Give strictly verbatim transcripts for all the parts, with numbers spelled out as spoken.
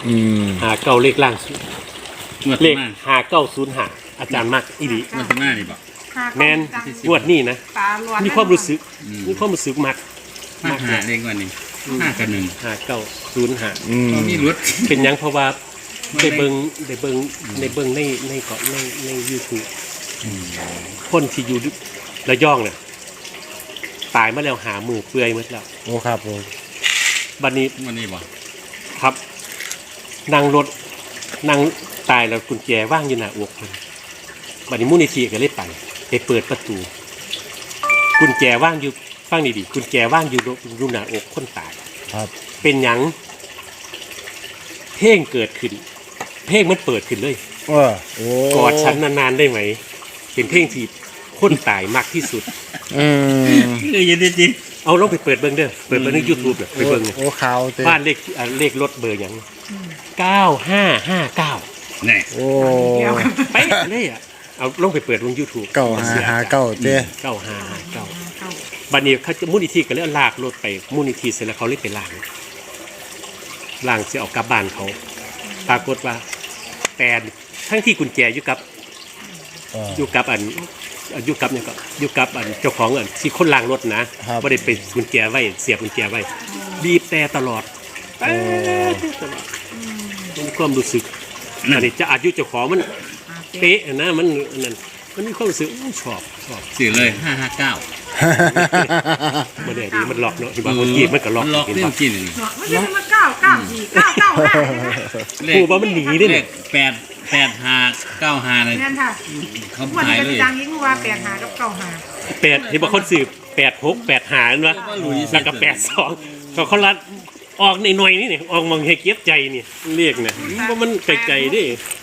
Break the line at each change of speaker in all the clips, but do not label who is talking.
อืม
หาเก้าเลขล่างเลขหาเก้าศูนย์หาอาจารย์มักอีดี
มันเป็นหน้านี่บอก
แมนงวดนี้นะมีความรู้สึกมีความรู้สึกมัก
มาหาเลขวันนี้ห้ากับหนึ่ง
หาเก้าศูนย์หา
มีรถ
เป็นยังเพราะว่าได้เบิ้งได้เบิ้งในเบิ้งในในเกาะในในยูทูบคนที่อยู่ระยองเนี่ยตายมาแล้วหามือเปื่อยหมดแล้ว
โอ้ครับผม
บัดนี้
วันนี้บอก
ครับนั่งรถนั่งตายแล้วกุญแจว่างอยู่หน้าอกมันบัดนี้มูลนิธิก็เลยไปไปเปิดประตูกุญแจว่างอยู่ฟังดีๆกุญแจว่างอยู่อยู่หน้าอกคนตาย
ครับ
เป็นหยังเพลงเกิดขึ้นเพลงมันเปิดขึ้นเลย
เออโอ้
กอดฉันนานๆได้ไหมเป็นเพลงที่คนตายมากที่สุด
อืม
คือยังดีจริง
เอาลองไปเปิดเบิ้งเด้อเปิดเบิ้งใน YouTube เด้อไปเบิ้ง
โอ้ข่าว
บ้านเลขเลขรถเบอร์หยังเก้าห้าห้าเก้า
แน่
โอ้
ไปเลยอ่ะเอาลองไปเปิดบน YouTube
เก้าห้าห้าเก้าเจ้
เก้าห้าห้าเก้าบัดนี้เขาจะมูลนิธิก็เลยลากรถไปมูลนิธิเสร็จแล้วเขาเลยไปล้างล้างสิเอากลับบ้านเขาปรากฏว่าแต่ทั้งที่กุญแจอยู่กับอยู่กับอันอยู่กับเนี่ยก็อยู่กับอันเจ้าของอันที่คนล้างรถนะไม่ได้ไปกุญแจไว้เสียบกุญแจไว้บีบแต่ตลอดตลอดมีความรู้สึกอันนี้จะอายุเจ้าของมันเป๊ะนะมันนั่นมันมีความรู้สึกชอบชอบ
สื่อเลยห้าห้าเก้า
มันเนี่ยดีมันหลอกเนาะที่บ้านคนจีบมันก็หลอก
หลอกเรื่องกินนี่
ไม่ใช่มาเก้าเก้าสี่เก้าเก้าห้า
ผู้ว่ามันหนีได้เนี่ย
แปดแปดห้าเก้าห้าเลย
นั่นค่ะ
เขา
หาย
เลย
จังยิ่งว่าแปดห้ากับเก้าห้า
แปดที่บางคนสืบแปดหกแปดหาเนาะแล้วก็แปดสองเขาเขาลัดออกในหน่อยนี่เนี่ยออกมองให้เก็บใจนี่เรียกเนี่ยว่ามันไกลๆดิ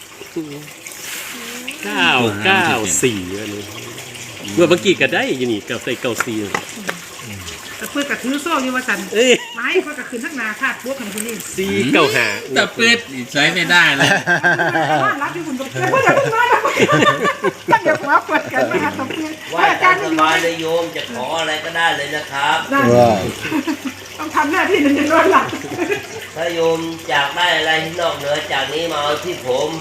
เก้าเก้าสี่อันนี้เมื่อเมื่อกี้ก็ได้ยินี่กับใส่เก้าสี่
แต่เพื่อนกับถือโซ่อยู่ว่าสันไม้เพื่อนกับคืนทั้งนาคาดปุ๊บของคุณนี่
สี่เก้าห้า
แต่เปิดใช้ไม่ได้เลย
รับอยู่คุณตบเพื่อนเพื่อนอย่าเพิ่งมาแล้วตั้งอย่าหัวเปิดกันนะคะตบเพื่อน
ว่าอาจารย์สบายเลยโยมจะขออะไรก็ได้เลยนะครับ
ต้องทำหน้าที่หนึ่งจะโดนหลัก
ถ้าโยมอยากได้อะไรที่นอกเหนือจากนี้มาเอาที่ผม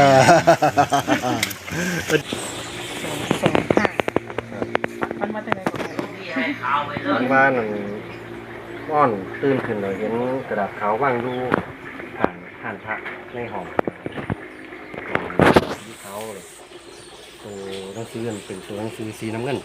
มันมาจากไหนก่อน
มันบ้านก้อนตื่นขึ้นเลยเห็นกระดาษขาวว่างดูผ่านผ่านพระในห้องที่เขาเลยตัวหนังสือเป็นตัวหนังสือสีน้ำเงิน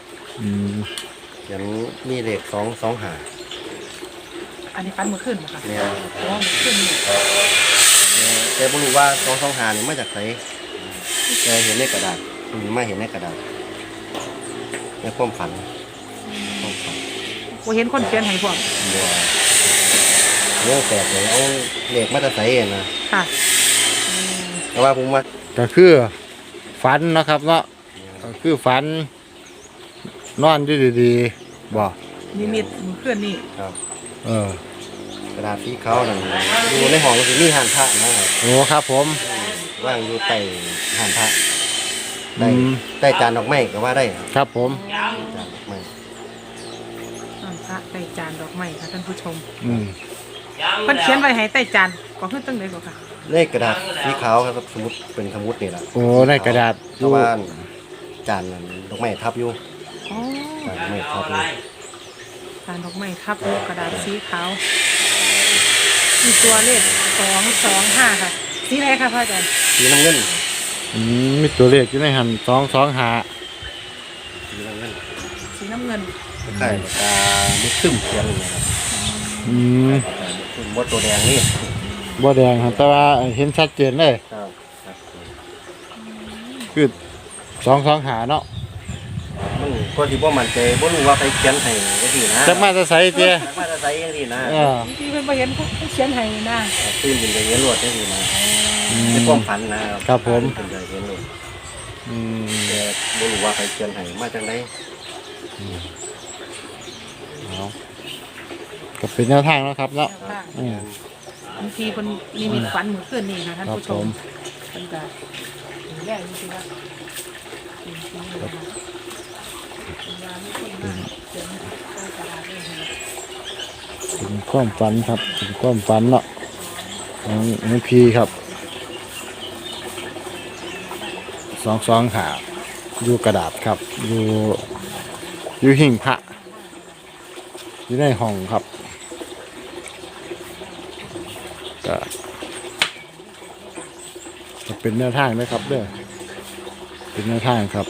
อย่างมีเลขสองสองหา
อันนี้ฟันมือขึ้นไหมคะ
เนี่ย
อ๋อมือขึ้นนี่
แต่ไม่รู้ว่าสองสองหานี่มาจากไหนแต่เห็นในกระดาษนี่มาเห็นในกระดาษในความฝันความฝัน
ว่าเห็นคนเขียนให้พวก
บัวเรื่องแตกเลยเอาเหล็กมาตะไซเองนะ
ค่ะ
แต่ว่าผมว่า
ก็คือฝันนะครับเนาะก็คือฝันนอนอยู่ดีๆบ่
นิมิตเพื่อนนี่
ครับ
เออ
กระดาษสีขาวนั่นอยู่ในห้องคือมีหันพระนะครับ
โอ้ครับผม
ว่างอยู่ใต้หันพระได้ได้จานดอกไม้ก็ว่าได้
ครับผม
จานดอกไม้
พระใต้จานดอกไม้ค่ะท่านผู้ชม
อืม
เพิ่นเขียนไว้ให้ใต้จานก็คือตั้งไหนก็ค่ะ
เลขกระดาษสีขาวครับสมมุติเป็นสมมุตินี่แหละ
โอ้ในกระดาษ
เพราะว่าจานดอกไม้ทับอยู่
อ๋อ
จานดอกไม้ทับอยู่
จานดอกไม้ทับอยู่กระดาษสีขาวมีตัวเลขสองสองห้าค่ะสีอะไรคะพ่ออาจารย์
สีน้ำเงิน
อืมมีตัวเลขอยู่ในหันสองสองหา
สีน้ำเงิน
สีน้ำเงิน
ใช่ตามุดซึมเขียนเลยครับ
อืม
มดตัวแดงนี่
บ่แดงครับแต่ว่าเห็นชัดเจนเลย
ครับ
คือสองสองหาเนาะ
มันก็ที่ว่ามันใจบ่รู้ว่าไปเขียนให้จังซี่นะ
จักมาจะใส่เตี้ย
จักมาจะใส่จังซี่นะ
เออ
ที่เพิ่นบ่เห็นเขาเขียนให้นะ
ตื่นขึ้นไปเห็นรถจังซี่นะในความฝันนะครับ
ผม
ขึ้นไปเห็นรถ
อืม
แต่บ่รู้ว่าไปเขียนให้มาจังได๋
อืมเอาก็เป็นแนวทางแล้วครับเนาะอืม
บางทีเพิ่นนิมิตฝันมื้อคืนนี่ค่ะท่านผู้ชมเพิ่นก็แย่จริงๆว่า
เป็นความฝันครับเป็นความฝันเนาะของหลวงพี่ครับสองสองหาอยู่กระดาษครับอยู่อยู่หิ่งพระอยู่ในห้องครับก็จะเป็นแนวทางนะครับเด้อเป็นแนวทางครับ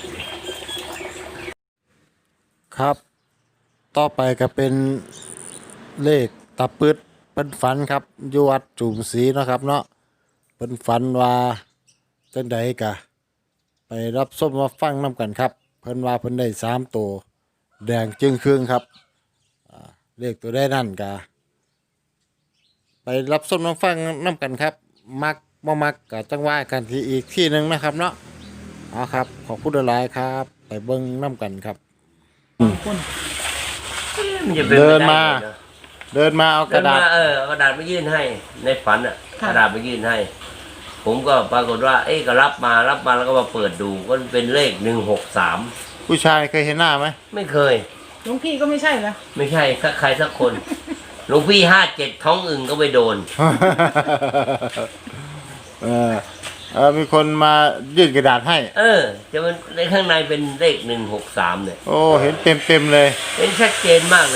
ครับ ต่อไปก็เป็นเลขตะปึดเป็นฝันครับอยู่วัดจุ่มศรีเนาะครับเนาะเป็นฝันว่าจังใดกะไปรับส้มมาฟังน้ำกันครับเพิ่นว่าเพิ่นได้สามตัวแดงจึงครึ่งครับอ่าเลขตัวได้นั่นกะไปรับส้มมาฟังน้ำกันครับ มักบ่มักกะจังว่ากันที่อีกที่หนึ่งนะครับเนาะเอาครับขอบคุณหลายๆครับ ไปเบิ่งน้ำกันครับ
คน
มันจะป็
เดิน
ไไ
มา
เอะ
เดินมาเอาก
เดิ
ระ
น
ดา
มา
ษ
เออเอากระดาษมายื่นให้ในฝันอ่ะกระดาษมายื่นให้ ผมก็ปรากฏว่า เอ๊ะก็รับมารับมาแล้วก็มาเปิดดูก็เป็นเลขหนึ่งหกสาม
ผู้ชายเคยเห็นหน้าไหม
ไม่เคย
หลวงพี่ก็ไม่ใช่เหรอ
ไม่ใช่สักใครสักคน หลวงพี่ห้าเจ็ดท้องอึ่งก็ไปโดน
เออเออมีคนมายื่นกระดาษให้
เออ จะมันในข้างในเป็นเลขหนึ่งหกสามเนี่ย
โอ้เห็นเต็มเต็มๆเลย
เป็นชัดเจนมากเลย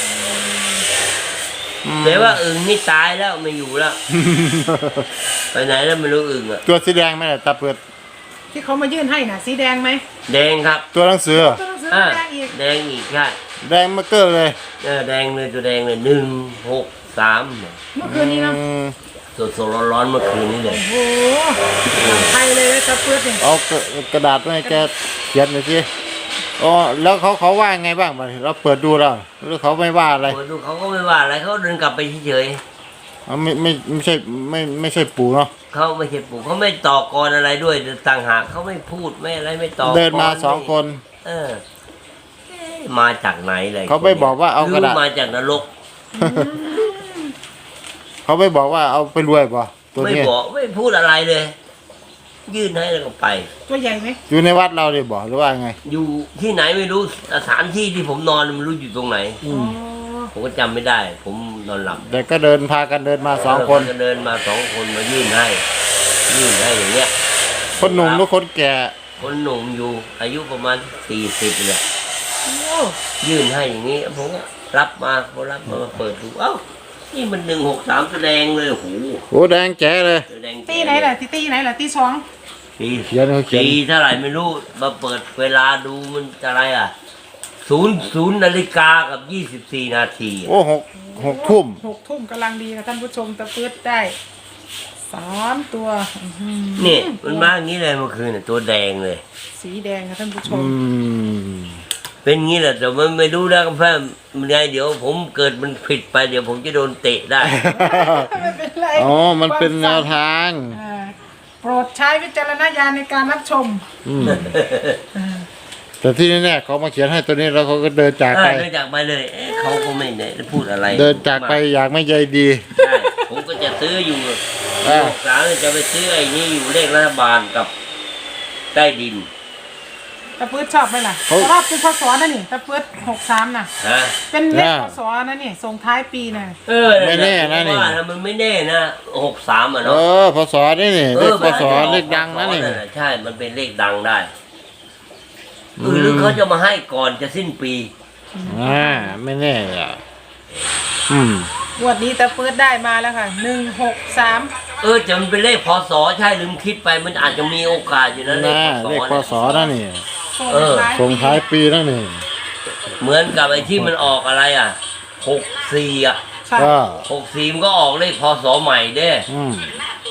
อืม
แต่ว่าอึ่งนี่ตายแล้วไม่อยู่แล้ว ไปไหนแล้วไม่รู้อึ่งอ่ะ
ตัวสีแดงไหมล่ะตาเปิด
ที่เขามายื่นให้น่ะ สีแดงไหม
แดงครับ
ตัวหนังสือ
ตัวหนังสือ
อ่า
แดงอีก
แดงอีกใช่
แดงมาเกอร์เลย
เออแดงเลยตัวแดงเลยหนึ่งหกสาม
เมื่อคืนนี้เนาะ
อืม
สดสดร้อนร้อนๆเมื่อคืนนี้เลย
โอ้โหไทยเลยนะตะเปื้อนเนี่ย
เอากระกระดาษมาให้แกเขียนหน่อยสิอ๋อแล้วเขาเขาว่าไงบ้างบัดนี้เราเปิดดูแล้วหรือเขาไม่ว่าอะไร
โอ้ดูเขาก็ไม่ว่าอะไรเขาเดินกลับไปเฉย
อ๋อไม่ไม่ไม่ใช่ไม่ไม่ใช่ปู่เนาะ
ๆเขาไม่ใช่ปู่เขาไม่ต่อกรอะไรด้วยต่างหากเขาไม่พูดไม่อะไรไม่ต่อกร
เดินมาสองคน
เออเอ๊ะมาจากไหนเลย
เขาไม่บอกว่าเอากระดาษ
หมาจากนรก
เขาไม่บอกว่าเอาไปรวยป่ะตัว
ไม่
นี้
บอกไม่พูดอะไรเลย ยื่นให้แล้วก็ไป
ตัวใหญ่ไหม
อยู่ในวัดเราเลยบอกหรือว่าไง
อยู่ที่ไหนไม่รู้สถานที่ที่ผมนอนไม่รู้อยู่ตรงไหน
อ๋อ
ผมก็จำไม่ได้ ผมนอนหลับ
แต่ก็เดินพากันเดินมาสองคน
ก็เดินมาสองคนมายื่นให้ ยื่นให้อย่างเงี้ย
คนหนุ่มหรือคนแก่
คนหนุ่มอยู่ อายุประมาณสี่สิบเนี่ย
โอ้
ยื่นให้อย่างนี้ผมก็รับมาพอรับมามาเปิดดูเอ้านี่มันหนึ่งหกสามแสดงเลยโอ้โห
โอ้แดงแจ๋เลย
แสดง
ตีไหนล่ะตีตีไหนล่ะตีสอง
ตี
เขียนเขาเขียน
ตีเท่าไหร่ไม่รู้มาเปิดเวลาดูมันอะไรอ่ะศูนย์ศูนย์นาฬิกากับยี่สิบสี่นาที
โอ้หกหกทุ่ม
หกทุ่มกำลังดีนะท่านผู้ชมตะเปื้อนได้สามตัวอื้อหือ
นี่มันมาอย่างนี้เลยเมื่อคืนน่ะตัวแดงเลย
สีแดงนะท่านผู้ช
อื
ม
ม
เป็นงี้แหละแต่มันไม่รู้นะเพื่อนมันไงเดี๋ยวผมเกิดมันผิดไปเดี๋ยวผมจะโดนเตะได้
ไม่เป็นไร
อ๋อมันเป็นแนวทาง
อ่าโปรดใช้วิจารณญาณในการรับชม
อืมแต่ที่แน่ๆเขามาเขียนให้ตัวนี้แล้วเขาก็เดินจาก
เอ
ไป
อเดินจากไปเลยเอ๊ะเขาก็ไม่ได้พูดอะไร
เดินจากไปอยากไม่ใยดี
ใช่ผมก็จะซื้ออยู่
อ่า
หกสามจะไปซื้อไอ้นี่อยู่เลขรัฐบาลกับใต้ดิน
ตะเปื้อนชอบไหมล่ะชอบเป็นพศนะนี่ตะเปื้อนหกสามน่ะ
ฮะ
เป็นเลขพศนะนี่ส่งท้ายปีน่ะ
เออ
ไม่แน่นะนี่
ว่ามันไม่แน่นะหกสามอ่ะ
เอ
เนาะ
อพศนี่นี่เลขพศเลขดังนะนี่
ใช่มันเป็นเลขดังได้เออหรือเขาจะมาให้ก่อนจะสิ้นปี
อ่าไม่แน่อ่ะอืม
งวดนี้ตะเปื้อนได้มาแล้วค่ะหนึ่งหกสาม
เออจะมันเป็นเลขพศใช่ลืมคิดไปมันอาจจะมีโอกาสอยู่นะเลข
น่า
พศ
เลขพศนั่นนี่
ส่ง
เออ
ท้าย
ส่ง
ปี
ท้ายปีนั่นนี่
เหมือนกับไอ้ที่มันออกอะไรอ่ะหกสี่อ่ะ
ใช่
ก็
หกสี่มันก็ออกเลขพศใหม่เด้
อืม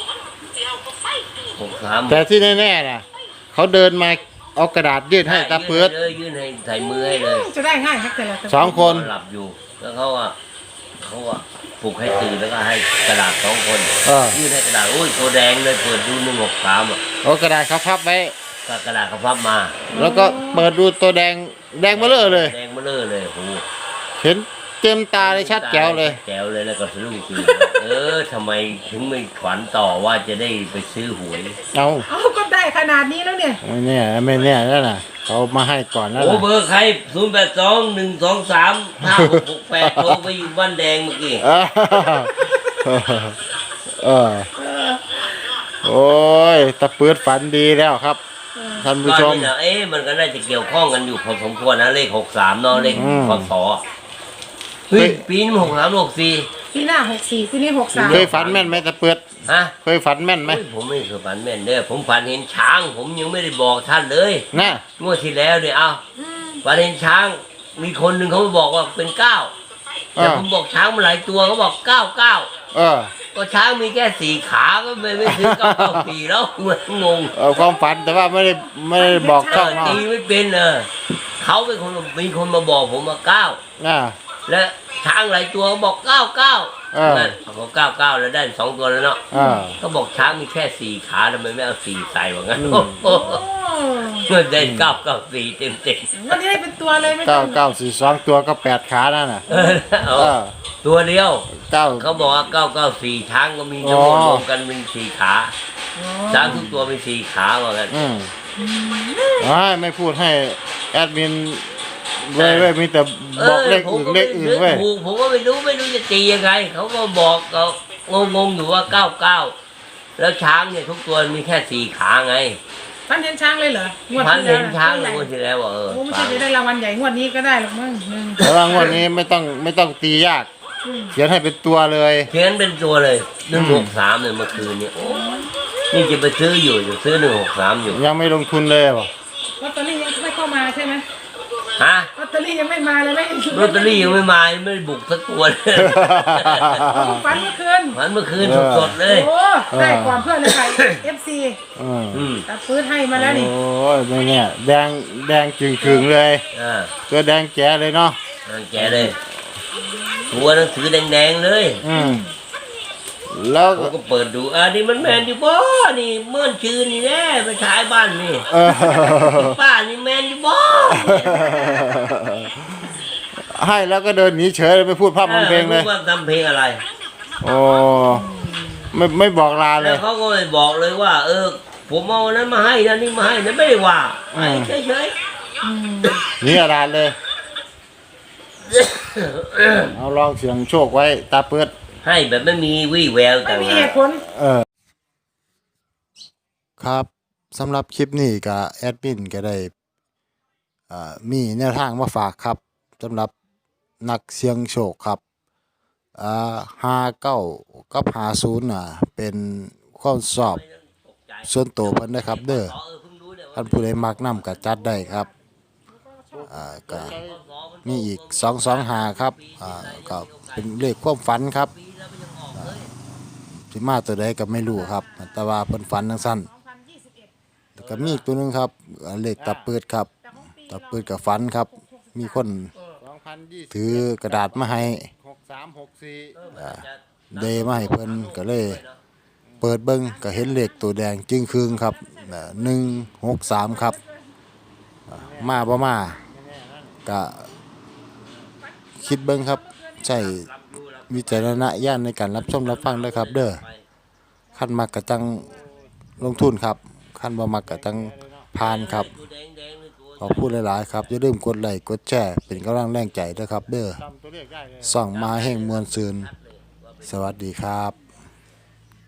หกสาม
แต่ที่แน่ๆนะเขาเดินมาเอากระดาษยื่นให้ตาเปื้อน
เลยยื่นให้ใส่มือให้เลย
จะได้ง่ายครับแต่ละ
สองคน
หลับอยู่ แล้วเขาอ่ะเขาอ่ะปลุกให้ตื่นแล้วก็ให้กระดาษสองคน
เออ
ยื่นให้กระดาษโอ้ยตัวแดงเลยเปิดดูหนึ่งหกสามอ่ะ
เอากระดาษเขาพับไว้
ก็กระดาษเขาพับมา
แล้วก็เปิดดูตัวแดงแดงเบลอเลย
แดงเบลอเลยโอ้โห
เห็นเต็มตาเลยชัดแจ๋วเลย
แจ๋วเลยแล้วก็สะดุ้งตื่นเออทำไมถึงไม่ขวัญต่อว่าจะได้ไปซื้อหวย
เอา
เอาก็ได้ขนาดนี้แล้วเนี่ย
ไม่แน่ไม่แน่แล้วนะเขามาให้ก่อนแล้ว
โอ้
นะ
เบอร์ใครศูนย์แปดสองหนึ่งสองสามห้าหกหกแปดโทรไปอยู่บ้านแดงเมื่อกี้
เออเออโอ้ยตะปืดฝันดีแล้วครับท่านผู้
ก็
ชม
นี่นะเอ๊ะมันก็น่าจะเกี่ยวข้องกันอยู่พอสมควรนะเลขหกสามเนาะเลข
อืม
พศเฮ้ยปีนี้หกสามหกสี่
ปีหน้าหกสี่ปีนี้หกสาม
เคยฝันแม่นไหมตะปืด
ฮะ
เคยฝันแม่นไหม
เฮ้ยผมไม่เคยฝันแม่นเด้อผมฝันเห็นช้าง ผมยังไม่ได้บอกท่านเลย
น่ะ
งวดที่แล้วเนี่ยเอาฝันเห็นช้าง มีคนหนึ่งเขาบอกว่าเป็นเก้า
เอ
แต่
อ
ผมบอกช้างมันหลายตัวเขาบอกเก้าเก้า
เออ
ก็ช้างมีแค่สี่ขาก็ไม่ไม่ซื้อเก้าเก้าสี่แล้วเหมือนงง
เออความฝันแต่ว่าไม่ได้ไม่ได้บอกช่องเนาะ
ตีไม่เป็นเออเขาเป็นคนมีคนมาบอกผมมาเก้า
น่ะ
และช้างหลายตัวบอกเก้าเก้า
เออ
นั่นเขาเก้าเก้าแล้วได้สองตัวแล้วเนาะ
อ่า
ก็บอกช้างมีแค่สี่ขาทำไมไม่เอาสี่ใส่ว่างั้น
อืม
โอ้โห
โอ้
เงินได้เก้าเก้าสี่เต็มเต็ม
วันนี้ได้เป็นตัวเลยไม่ต้
เก้า
อง
เก้าสี่สองตัวก็แปดขานั่นน่ะ
เออเอา
เออ
ตัวเดียว
เก้า
เขาบอกว่าเก้าเก้าสี่ช้างก็มีทั้งหมด
อ๋อ
รวมกันเป็นสี่ขาช้างทุกตัวเป็นสี่ขาว่างั้น
อืมไม่ไม่พูดให้แอดมินเว้ยเว้ยมีแต่บอกเลขอื่นเลขอื่นเว้ย
ถูกผมก็ไม่รู้ไม่รู้จะตียังไงเขาก็บอกเขางงๆอยู่ว่าเก้าเก้าแล้วช้างเนี่ยทุกตัวมีแค่สี่ขาไง
ฟันเห็นช้างเลยเหรองวด
พัน
ที่
เห็น
แล้ว
ช้าง
ใหญ่
งวดที่แล้วว่าเออ
โอ้ไม่ใช่จะได้รางวัลใหญ่งวดนี้ก็ได้หรอกมั้งหนึ่ง
แต่ว่างวดนี้ไม่ต้องไม่ต้องตียาก เขียนให้เป็นตัวเลย
เขียนเป็นตัวเลยหนึ่งหกสามเนี่ยเมื่อคืนเนี่ยโอ้นี่จะไปซื้ออยู่จะซื้อหนึ่งหกสามอยู่
ยังไม่ลงทุนเลยบ่
ลอตเตอรี่ยังไม่เข้ามาใช่ไหม
ฮะ
ลอตเตอรี่ยังไม่มาเลยไม่
ลอตเตอรี่ยังไม่มายังไม่ได้บุกสักตัวเลย
ฝันเมื่อคืน
มันเมื่อคืนสดๆเลย
โอ้ได้ก่อนเพื่อนเลยค่ะ เอฟซี
อืม
อืม
ตัดปืนให้มาแล้วนี่
โอ้ยไม่เนี่ยแดงแดงจึงคืงเลย
อ่า
ตัวแดงแจ๋เลยเนาะ
แกเลยตัวหนังสือแดงๆเลย
อืมแล้ว
ผมก็เปิดดูอ่านี่มันแมนอยู่บ่นี่เมื่อนชื่นนี่แน่ไปฉายบ้านนี่
เออ
ป้านี่แมนอยู่บ่
ให้แล้วก็เดินหนีเฉยไม่พูดภาพมันเพลงเลย
ออรู้ว่าทำเพลงอะไร
โอ้ไม่ไม่บอกลาเล
แล้ว
ย
เขาก็ไม่บอกเลยว่า เออ ผมเอาอันนั้นมาให้นะนี่มาให้นะไม่ได้ว่า
อืม
เฉย
หนี่อาดานเลย
ๆ
เอาลองเสียงโชคไว้ตาเปิด
ให้แบบไม่มีวี่แวว
ไม่
ต่าง
มี
หา
เห
ก
ตุผล
เออ ครับสำหรับคลิปนี้ก็แอดมินก็ได้อ่ามีแนวทางมาฝากครับสำหรับนักเสี่ยงโชคครับอ่าห้าเก้ากับห้าศูนย์น่ะ เป็นข้อสอบส่วนตัวเพิ่นนะครับ เด้อท่านผู้ใดมักนำก็จัดได้ครับอ่าก็มีอีกสองสองหาครับอ่าก็เป็นเลขความฝันครับอ่าสิมาตัวใดก็ไม่รู้ครับ แต่ว่าเพิ่นฝันจังซั่นแล้วก็มีอีกตัวหนึงครับอ่าเลขตะเปิดครับตะเปิดกับฝันครับ มีคนถือกระดาษมาให้อ่าเดมาให้เพิ่นก็เลย เปิดเบิ้งก็เห็นเลขตัวแดงจึงคืงครับหนึ่งหกสามครับอ่ามาบ่มาก็คิดเบิ้งครับใช้วิจารณญาณในการรับชมรับฟังด้วยครับ เด้อขั้นมักกะจังลงทุนครับขั้นบ่มักกะจังผ่านครับขอพูดหลายๆครับอย่าลืมกดไลค์กดแชร์เป็นกำลังแรงใจด้วยครับ เด้อส่องมาแห่งมวลซืนสวัสดีครับ